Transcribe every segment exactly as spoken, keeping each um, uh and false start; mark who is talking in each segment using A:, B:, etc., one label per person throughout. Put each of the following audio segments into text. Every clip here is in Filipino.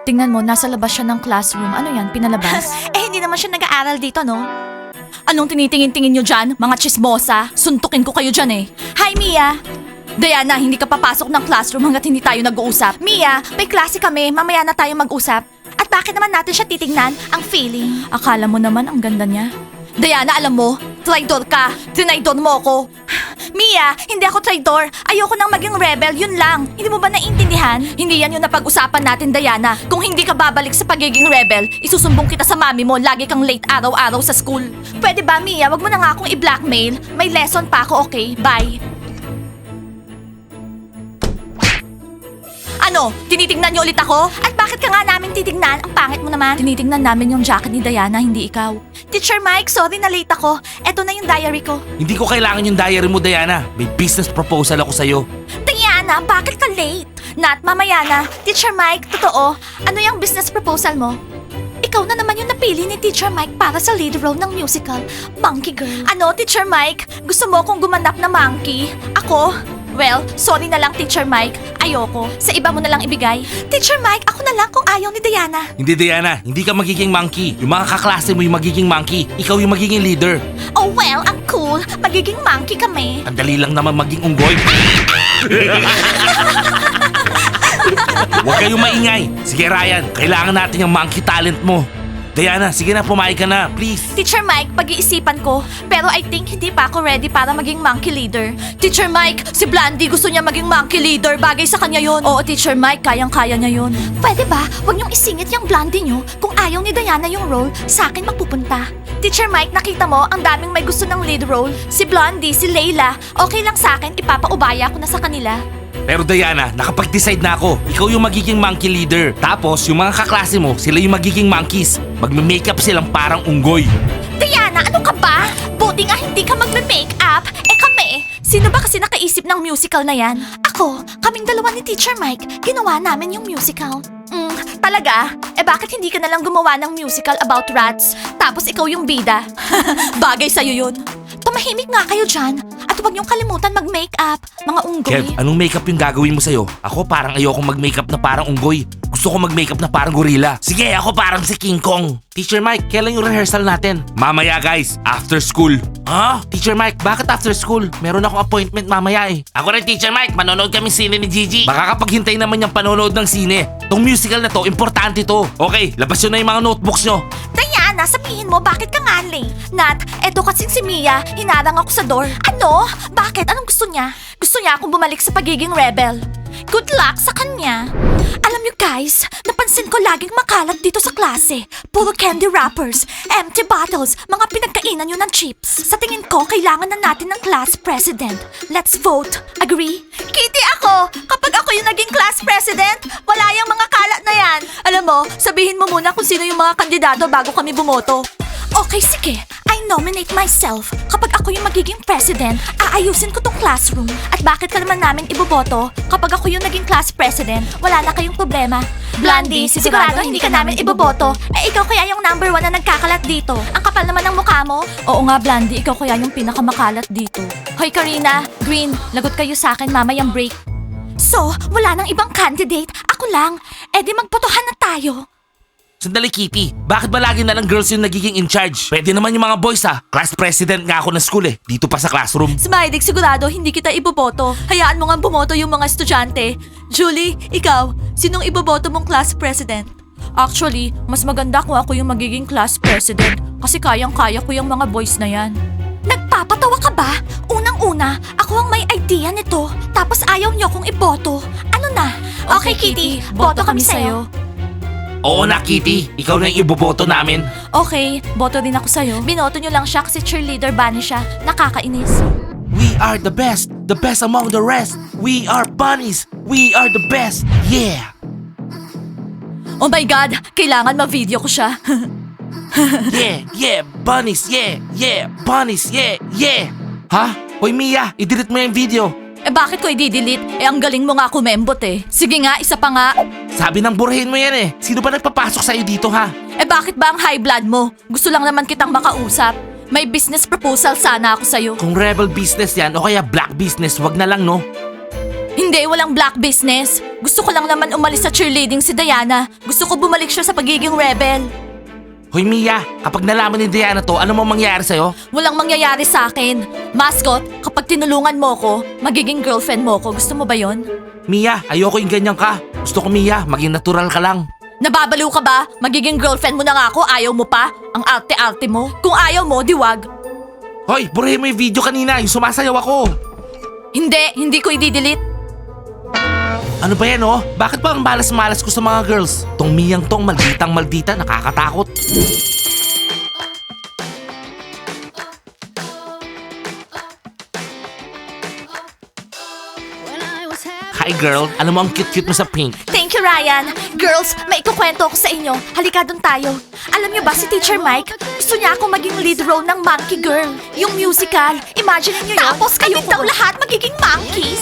A: Tingnan mo, nasa labas siya ng classroom. Ano yan, pinalabas? eh, hindi naman siya nag-aaral dito, no? Anong tinitingin-tingin nyo dyan, mga chismosa? Suntukin ko kayo dyan eh. Hi, Mia! Diana, hindi ka papasok ng classroom hanggat hindi tayo nag-uusap. Mia, may klase kami. Mamaya na tayo mag-usap. At bakit naman natin siya titignan? Ang feeling. Akala mo naman ang ganda niya. Diana, alam mo, traidor ka. Trinaidor mo ako. Mia, hindi ako traidor. Ayoko nang maging rebel, yun lang. Hindi mo ba naiintindihan? Hindi yan yung napag-usapan natin, Diana. Kung hindi ka babalik sa pagiging rebel, isusumbong kita sa mami mo. Lagi kang late araw-araw sa school. Pwede ba, Mia? Wag mo na nga akong i-blackmail. May lesson pa ako, okay? Bye. Ano? Tinitignan niyo ulit ako? At bakit ka nga namin titignan? Ang pangit mo naman. Tinitignan namin yung jacket ni Diana, hindi ikaw. Teacher Mike, sorry na late ako. Eto na yung diary ko.
B: Hindi ko kailangan yung diary mo, Diana. May business proposal ako sa'yo.
A: Diana, bakit ka late? Nat, mamaya na. Teacher Mike, totoo. Ano yung business proposal mo? Ikaw na naman yung napili ni Teacher Mike para sa lead role ng musical, Monkey Girl. Ano, Teacher Mike? Gusto mo kong gumanap na monkey? Ako? Well, sorry na lang, Teacher Mike. Ayoko. Sa iba mo na lang ibigay. Teacher Mike, ako na lang kung ayaw ni Diana.
B: Hindi, Diana. Hindi ka magiging monkey. Yung mga kaklase mo yung magiging monkey. Ikaw yung magiging leader.
A: Oh well, ang cool. Magiging monkey kami.
B: Ang dali lang naman maging unggoy. Huwag kayong maingay. Sige, Ryan. Kailangan natin yung monkey talent mo. Diana, sige na, pumayag ka na. Please.
A: Teacher Mike, pag-iisipan ko. Pero I think hindi pa ako ready para maging monkey leader. Teacher Mike, si Blandy gusto niya maging monkey leader. Bagay sa kanya yon. Oo, Teacher Mike, kayang-kaya niya yon. Pwede ba? Huwag niyong isingit yung Blandy niyo. Kung ayaw ni Diana yung role, sa akin magpupunta. Teacher Mike, nakita mo, ang daming may gusto ng lead role. Si Blondie, si Layla. Okay lang sa akin, ipapaubaya ko na sa kanila.
B: Pero Diana, nakapag-decide na ako. Ikaw yung magiging monkey leader. Tapos, yung mga kaklase mo, sila yung magiging monkeys. Magme-makeup silang parang unggoy.
A: Diana, ano ka ba? Buti nga hindi ka magme-makeup. Eh kami, sino ba kasi nakaisip ng musical na yan? Ako, kaming dalawa ni Teacher Mike, ginawa namin yung musical. Mm, talaga? Eh bakit hindi ka nalang gumawa ng musical about rats? Tapos ikaw yung bida. Bagay sa'yo yun. Tumahimik nga kayo dyan. At huwag niyong kalimutan mag-makeup, mga unggoy.
B: Kev, anong makeup yung gagawin mo sa'yo? Ako parang ayokong mag-makeup na parang unggoy. Gusto ko mag-makeup na parang gorilla. Sige, ako parang si King Kong. Teacher Mike, kailan yung rehearsal natin? Mamaya guys, after school. Ha? Teacher Mike, bakit after school? Meron akong appointment mamaya eh. Ako rin, Teacher Mike, manonood kami sine ni Gigi. Baka kapag hintay naman yung panonood ng sine. Tong musical na to, importante to. Okay, labas yun na yung mga notebooks nyo.
A: Diana, sabihin mo, bakit ka nga late? Nat, eto kasing si Mia, hinarang ako sa door. Ano? Bakit? Anong gusto niya? Gusto niya akong bumalik sa pagiging rebel. Good luck sa kanya. Alam niyo guys, napansin ko laging makalat dito sa klase. Puro candy wrappers, empty bottles, mga pinagkainan niyo ng chips. Sa tingin ko, kailangan na natin ng class president. Let's vote. Agree? Kitty ako! Kapag ako yung naging class president, wala yung mga kalat na yan. Alam mo, sabihin mo muna kung sino yung mga kandidato bago kami bumoto. Okay, sige. I nominate myself. Kapag ako yung magiging president, aayusin ko tong classroom. At bakit ka naman namin iboboto? Kapag ako yung naging class president, wala na kayong problema. Blondie, sigurado hindi ka namin iboboto. Eh ikaw kaya yung number one na nagkakalat dito. Ang kapal naman ng mukha mo. Oo nga, Blondie, ikaw kaya yung pinakamakalat dito. Hoy, Karina, Green, lagot kayo sa akin mamayang break. So, wala nang ibang candidate. Ako lang. Eh di magbotohan na tayo.
B: Sandali, Kitty. Bakit ba lagi na lang girls yung nagiging in charge? Pwede naman yung mga boys ha. Class president nga ako ng school eh. Dito pa sa classroom.
A: Smiley, sigurado hindi kita iboboto. Hayaan mo nga bumoto yung mga estudyante. Julie, ikaw, sinong iboboto mong class president? Actually, mas maganda kung ako yung magiging class president kasi kayang-kaya ko yung mga boys na yan. Nagpapatawa ka ba? Unang-una, ako ang may idea nito. Tapos ayaw niyo kong iboto. Ano na? Okay, Kitty, boto kami sa'yo.
B: Oo na, Kitty. Ikaw na yung iboboto namin.
A: Okay, boto din ako sa'yo. Binoto niyo lang siya kasi cheerleader bunny siya. Nakakainis.
B: We are the best. The best among the rest. We are bunnies. We are the best. Yeah.
A: Oh my God, kailangan ma-video ko siya.
B: Yeah, yeah, bunnies, yeah, yeah, bunnies, yeah, yeah. Ha? Hoy Mia, i-delete mo yung video.
A: Eh bakit ko i-delete? Eh ang galing mo nga kumembot eh. Sige nga, isa pa nga.
B: Sabi ng burahin mo yan eh. Sino ba nagpapasok sa'yo dito ha?
A: Eh bakit ba ang high blood mo? Gusto lang naman kitang makausap. May business proposal sana ako sa'yo.
B: Kung rebel business yan o kaya black business, wag na lang no.
A: Hindi Hindi, walang black business. Gusto ko lang naman umalis sa cheerleading si Diana. Gusto ko bumalik siya sa pagiging rebel.
B: Hoy Mia, kapag nalaman ni Diana to, ano mo mangyayari sa'yo?
A: Walang mangyayari sa akin. Mascot, kapag tinulungan mo ko, magiging girlfriend mo ko. Gusto mo ba yon?
B: Mia, ayoko yung ganyan ka. Gusto ko Mia, maging natural ka lang.
A: Nababaliw ka ba? Magiging girlfriend mo na nga ako, ayaw mo pa? Ang arte-arte mo. Kung ayaw mo, diwag.
B: Hoy, burahin mo yung video kanina, yung sumasayaw ako.
A: Hindi, hindi ko i-delete.
B: Ano ba yan oh? Bakit ba ang malas-malas ko sa mga girls? Tong Miyang tong malditang maldita, nakakatakot. Hi girl, alam mo ang cute-cute mo sa pink.
A: Thank you, Ryan. Girls, may ikukwento ako sa inyo. Halika doon tayo. Alam niyo ba si Teacher Mike? Gusto niya ako maging lead role ng Monkey Girl. Yung musical. Imagine niyo yun. Tapos kami daw lahat magiging monkeys.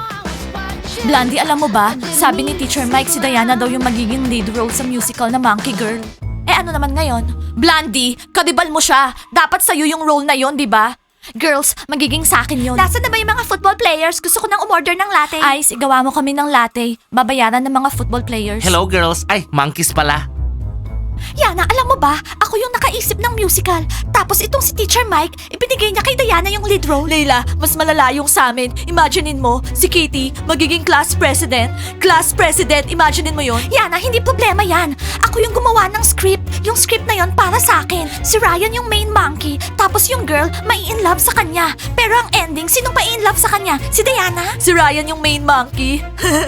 A: Blondie, alam mo ba? Sabi ni Teacher Mike, si Diana daw yung magiging lead role sa musical na Monkey Girl. Eh ano naman ngayon? Blondie, kadibal mo siya. Dapat sa'yo yung role na yon, di ba? Girls, magiging sa akin yun. Nasaan na ba yung mga football players? Gusto ko nang umorder ng latte. Ice, igawa mo kami ng latte. Babayaran ng mga football players.
B: Hello girls, ay monkeys pala.
A: Yana, alam mo ba? Ako yung nakaisip ng musical. Tapos itong si Teacher Mike, ibinigay niya kay Diana yung lead role. Leila, mas malala yung sa amin. Imaginein mo, si Kitty, magiging class president. Class president, imaginein mo yon. Yana, hindi problema yan. Ako yung gumawa ng script. Yung script na yon para sa akin. Si Ryan yung main monkey. Tapos yung girl, may in love sa kanya. Pero ang ending, sinong pa in love sa kanya? Si Diana? Si Ryan yung main monkey.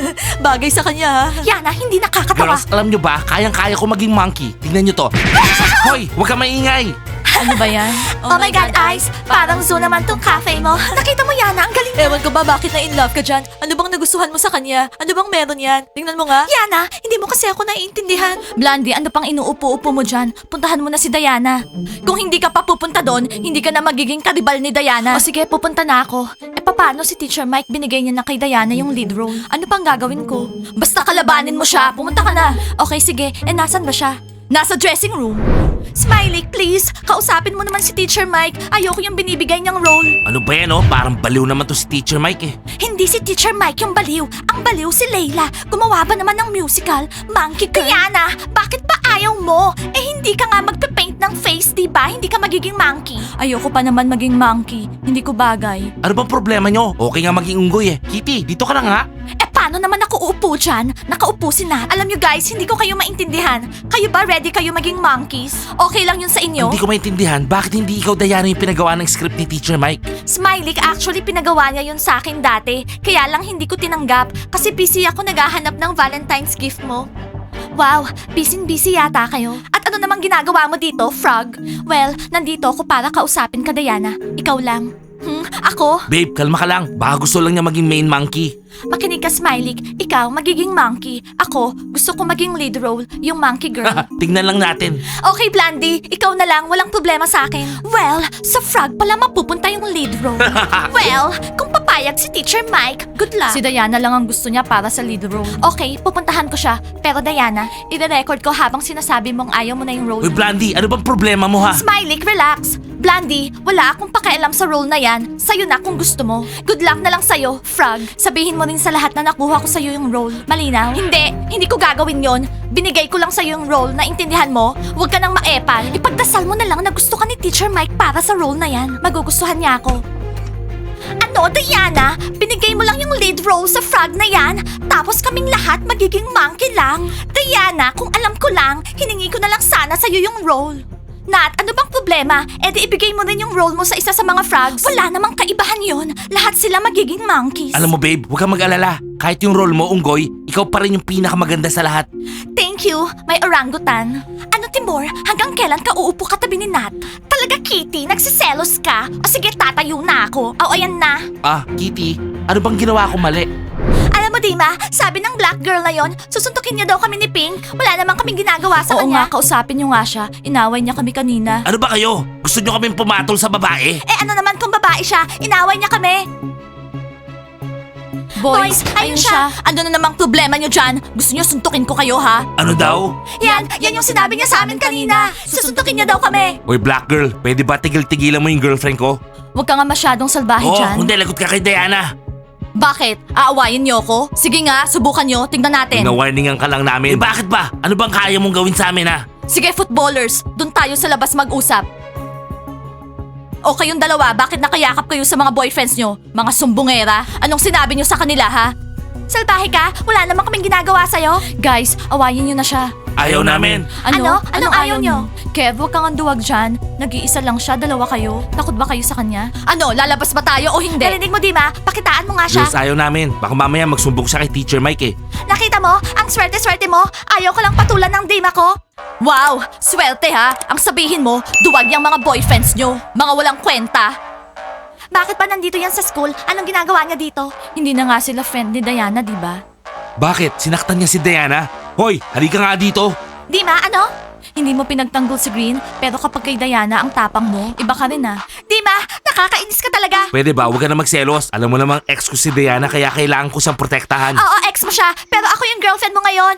A: Bagay sa kanya, ha? Yana, hindi nakakatawa.
B: Girls, alam nyo ba, kayang-kaya ko maging monkey. Tingnan nyo to. Hoy, huwag ka maingay.
A: Ano ba yan? Oh, my God, Ice! Parang zoo naman tong cafe mo. Nakita mo, Yana, ang galing niya. Ewan ko ba bakit na in love ka dyan? Ano bang nagustuhan mo sa kanya? Ano bang meron yan? Tingnan mo nga. Yana, hindi mo kasi ako naiintindihan. Blondie, ano pang inuupo-upo mo dyan? Puntahan mo na si Diana. Kung hindi ka pa pupunta doon, hindi ka na magiging karibal ni Diana. O sige, pupunta na ako. Eh paano si Teacher Mike binigay niya na kay Diana yung lead role? Ano pang gagawin ko? Basta kalabanin mo siya, pumunta ka na. Okay, sige. Eh nasan ba siya? Nasa dressing room. Smiley, please. Kausapin mo naman si Teacher Mike. Ayoko yung binibigay niyang role.
B: Ano ba yan oh? Parang baliw naman to si Teacher Mike eh.
A: Hindi si Teacher Mike yung baliw. Ang baliw si Layla. Gumawa ba naman ng musical? Monkey Girl. Diana, bakit ba ayaw mo? Eh hindi ka nga magpe-paint ng face, di ba? Hindi ka magiging monkey. Ayoko pa naman maging monkey. Hindi ko bagay.
B: Ano bang problema nyo? Okay nga maging unggoy eh. Kitty, dito ka na nga.
A: Eh paano naman ako uupo dyan? Nakaupo si Nat. Alam nyo guys, hindi ko kayo maintindihan. Kayo ba ready kayo maging monkeys? Okay lang yun sa inyo?
B: Hindi ko maintindihan, bakit hindi ikaw Diana yung pinagawa ng script ni Teacher Mike?
A: Smiley, actually pinagawa niya yun sa akin dati. Kaya lang hindi ko tinanggap. Kasi busy ako naghahanap ng Valentine's gift mo. Wow, busy-busy yata kayo. At ano namang ginagawa mo dito, Frog? Well, nandito ako para kausapin ka, Diana. Ikaw lang. Hmm, ako?
B: Babe, kalma ka lang. Baka gusto lang niya maging main monkey.
A: Makinig ka, Smiley. Ikaw, magiging monkey. Ako, gusto ko maging lead role, yung monkey girl.
B: Tingnan lang natin.
A: Okay, Blandy. Ikaw na lang. Walang problema sa akin. Well, sa Frog pala mapupunta yung lead role. Well, kung papayag si Teacher Mike, good luck. Si Diana lang ang gusto niya para sa lead role. Okay, pupuntahan ko siya. Pero Diana, i-record ko habang sinasabi mong ayaw mo na yung role.
B: Uy, Blandy, ano bang problema mo ha?
A: Smiley, relax. Blandy, wala akong pakialam sa role na yan. Sa'yo na kung gusto mo. Good luck na lang sa'yo, Frog. Sabihin mo rin sa lahat na nakuha ko sa'yo yung role. Malinaw? Hindi, hindi ko gagawin yon. Binigay ko lang sa'yo yung role, naintindihan mo? Huwag ka nang maepal. Ipagdasal mo na lang na gusto ka ni Teacher Mike para sa role na yan. Magugustuhan niya ako. Ano, Diana? Binigay mo lang yung lead role sa Frog na yan? Tapos kaming lahat magiging monkey lang? Diana, kung alam ko lang, hiningi ko na lang sana sa'yo yung role. Nat, ano bang problema? E di ibigay mo rin yung role mo sa isa sa mga frogs. Wala namang kaibahan yon. Lahat sila magiging monkeys.
B: Alam mo babe, huwag kang mag-alala. Kahit yung role mo, unggoy, ikaw pa rin yung pinakamaganda sa lahat.
A: Thank you, may orangutan. Ano Timor, hanggang kailan ka uupo katabi ni Nat? Talaga Kitty, nagsiselos ka? O sige, tatayo na ako. O ayan na.
B: Ah, Kitty, ano bang ginawa ko mali?
A: Alam mo Dima, sabi ng black girl na yon, susuntukin niya daw kami ni Pink. Wala namang kaming ginagawa sa
C: Oo
A: kanya.
C: nga, kausapin niyo nga siya. Inaway niya kami kanina.
B: Ano ba kayo? Gusto nyo kaming pumatol sa babae?
A: Eh ano naman kung babae siya, inaway niya kami.
C: Boys, ayun siya.
A: Ano na namang problema niyo dyan? Gusto niyo suntukin ko kayo ha?
B: Ano daw?
A: Yan, yan yung sinabi niya sa amin kanina. Susuntukin niya daw kami.
B: Uy, black girl, pwede ba tigil-tigilan mo yung girlfriend ko?
C: Huwag ka nga masyadong salbahe
B: Oo,
C: dyan.
B: hindi, lagot ka kay Diana.
C: Bakit? Aawayin niyo ako? Sige nga, subukan niyo. Tingnan natin.
B: Pinawarningan ka lang namin. Eh bakit ba? Ano bang kaya mong gawin sa amin ha?
C: Sige, footballers. Doon tayo sa labas mag-usap. O kayong dalawa, bakit nakayakap kayo sa mga boyfriends nyo? Mga sumbongera? Anong sinabi nyo sa kanila, ha?
A: Salbahe ka? Wala naman kaming ginagawa sa'yo.
C: Guys, awayin nyo na siya.
B: Ayaw namin.
A: Ano? Anong ayaw nyo?
C: Kev, huwag kang anduwag dyan. Nag-iisa lang siya, dalawa kayo. Takot ba kayo sa kanya? Ano, lalabas ba tayo o hindi?
A: Narinig mo, Dima? Pakitaan mo nga siya.
B: Girls, ayaw namin. Baka mamaya magsumbong siya kay Teacher Mike eh.
A: Nakita mo? Ang swerte-swerte mo. Ayaw ko lang patulan ng Dima ko.
C: Wow! Swerte ha! Ang sabihin mo, duwag yung mga boyfriends nyo. Mga walang kwenta.
A: Bakit ba nandito yan sa school? Anong ginagawa niya dito?
C: Hindi na nga sila friend ni Diana, di ba?
B: Bakit? Sinaktan niya si Diana? Hoy, halika nga dito.
A: Dima, ano?
C: Hindi mo pinagtanggol si Green, pero kapag kay Diana ang tapang mo, iba ka rin ah.
A: Dima, nakakainis ka talaga.
B: Pwede ba? Huwag ka na magselos. Alam mo namang ex ko si Diana kaya kailangan ko siyang protektahan.
A: Oo, ex mo siya. Pero ako yung girlfriend mo ngayon.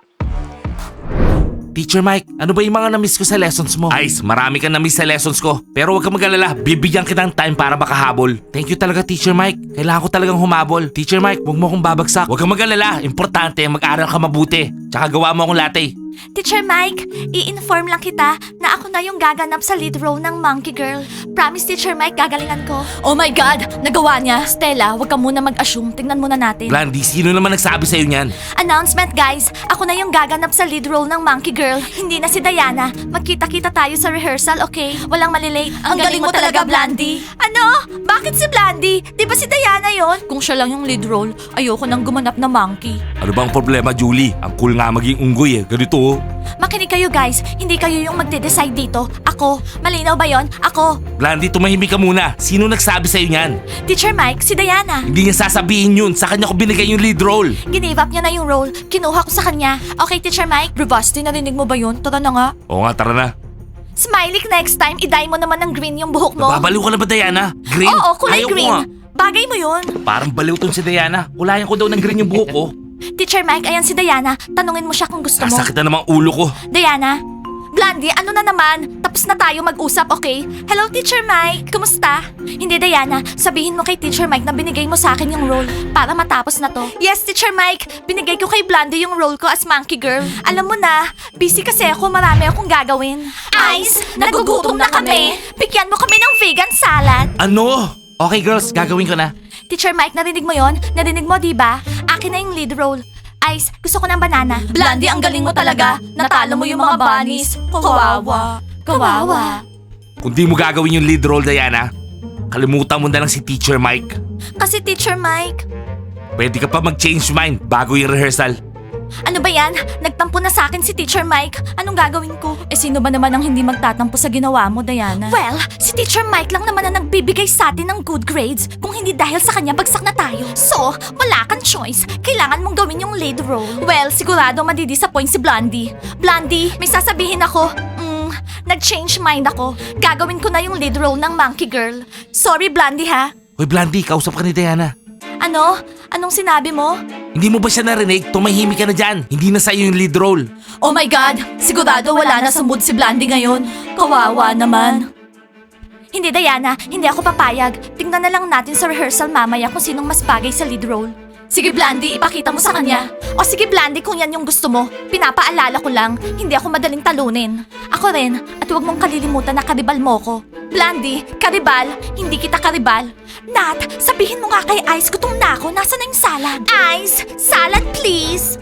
B: Teacher Mike, ano ba yung mga na-miss ko sa lessons mo? Ice, marami kang na-miss sa lessons ko. Pero huwag kang mag-alala, bibigyan kita ng time para makahabol. Thank you talaga, Teacher Mike. Kailangan ko talagang humabol. Teacher Mike, huwag mo akong babagsak. Huwag kang mag-alala, importante, mag-aral ka mabuti. Tsaka gawa mo akong latte.
A: Teacher Mike, i-inform lang kita na ako na yung gaganap sa lead role ng Monkey Girl. Promise, Teacher Mike, gagalingan ko.
C: Oh my God! Nagawa niya! Stella, huwag ka muna mag-assume. Tingnan muna natin.
B: Blandy, sino naman nagsabi sa'yo niyan?
A: Announcement, guys. Ako na yung gaganap sa lead role ng Monkey Girl. Hindi na si Diana. Magkita-kita tayo sa rehearsal, okay? Walang malilate.
C: Ang galing mo talaga, Blandy.
A: Ano? Bakit si Blandy? Di ba si Diana yon?
C: Kung siya lang yung lead role, ayoko nang gumanap na monkey.
B: Ano bang problema, Julie? Ang cool nga maging unggoy eh. Ganito oh.
A: Makinig kayo, guys. Hindi kayo yung magde-decide dito. Ako. Malinaw ba yon? Ako.
B: Blandy, tumahimik ka muna. Sino nagsabi sa'yo niyan?
A: Teacher Mike, si Diana.
B: Hindi niya sasabihin yun. Sa kanya ko binigay yung lead role.
A: Give up niya na yung role. Kinuha ko sa kanya. Okay, Teacher Mike?
C: Bravasti, narinig mo ba yun? Tara na nga.
B: Oo nga, tara na.
A: Smiley, next time, i-dye mo naman ng green yung buhok mo.
B: Babaliw ka na ba, Diana? Green?
A: Oo, kulay
B: Ayaw ko
A: green.
B: nga.
A: Bagay mo yun.
B: Parang baliw tong si Diana. Kulayan ko daw ng green yung buhok ko.
A: Teacher Mike, ayan si Diana. Tanungin mo siya kung gusto mo.
B: Sasakit na namang ulo ko.
A: Diana? Blandy, ano na naman? Tapos na tayo mag-usap, okay? Hello, Teacher Mike. Kumusta? Hindi, Diana. Sabihin mo kay Teacher Mike na binigay mo sa akin yung role para matapos na to. Yes, Teacher Mike. Binigay ko kay Blandy yung role ko as Monkey Girl. Alam mo na, busy kasi ako. Marami akong gagawin. Ice, nagugutom na kami. Bigyan mo kami ng vegan salad.
B: Ano? Okay girls, gagawin ko na.
A: Teacher Mike, narinig mo yon? Narinig mo, di ba? Akin na yung lead role. Ice, gusto ko ng banana.
C: Blandy, ang galing mo talaga. Natalo mo yung mga bunnies. Kawawa. Kawawa.
B: Kung di mo gagawin yung lead role, Diana, kalimutan mo na lang si Teacher Mike.
A: Kasi Teacher Mike,
B: Pwede ka pa mag-change mind bago yung rehearsal.
A: ano ba yan? Nagtampo na sa akin si Teacher Mike. Anong gagawin ko?
C: Eh sino ba naman ang hindi magtatampo sa ginawa mo, Diana?
A: Well, si Teacher Mike lang naman ang nagbibigay sa atin ng good grades. Kung hindi dahil sa kanya, bagsak na tayo. So, wala kang choice. Kailangan mong gawin yung lead role. Well, sigurado madidisappoint si Blondie. Blondie, may sasabihin ako. Mm, nag-change mind ako. Gagawin ko na yung lead role ng Monkey Girl. Sorry, Blondie ha.
B: Hoy Blandy, kausap ka ni Diana.
A: Ano? Anong sinabi mo?
B: Hindi mo ba siya narinig? Tumahimik ka na dyan. Hindi na sa'yo yung lead role.
C: Oh my God! Sigurado wala na sa mood si Blandy ngayon. Kawawa naman.
A: Hindi, Diana. Hindi ako papayag. Tingnan na lang natin sa rehearsal mamaya kung sinong mas bagay sa lead role.
C: Sige Blandy, ipakita mo sa kanya.
A: O sige, Blandy, kung yan yung gusto mo. Pinapaalala ko lang, hindi ako madaling talunin. Ako rin, at huwag mong kalilimutan na karibal mo ko. Blandy, karibal, hindi kita karibal. Nat, sabihin mo nga kay Ice, gutom na ako. Nasaan na yung salad? Ice, salad please.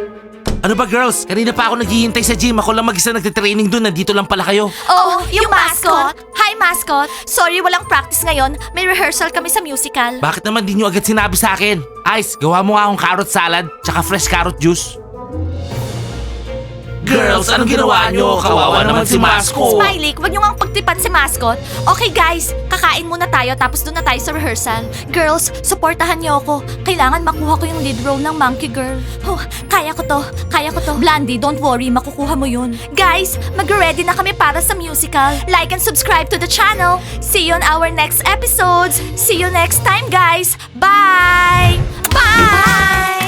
B: Ano ba girls? Kanina pa ako naghihintay sa gym. Ako lang mag-isa nagtitraining dun. Nandito lang pala kayo.
A: Oh, yung, mascot. Hi, mascot. Sorry, walang practice ngayon. May rehearsal kami sa musical.
B: Bakit naman di nyo agad sinabi sa akin? Ice, gawa mo nga akong carrot salad tsaka fresh carrot juice. Girls, anong ginawa nyo? Kawawa naman si Mascot.
A: Smiley, huwag nyo nga pagtipan si mascot. Okay guys, kakain muna tayo tapos doon na tayo sa rehearsal. Girls, supportahan niyo ako. Kailangan makuha ko yung lead role ng Monkey Girl. Oh, kaya ko to. Kaya ko to.
C: Blandy, don't worry, makukuha mo yun.
A: Guys, mag-ready na kami para sa musical. Like and subscribe to the channel. See you on our next episodes. See you next time, guys. Bye! Bye!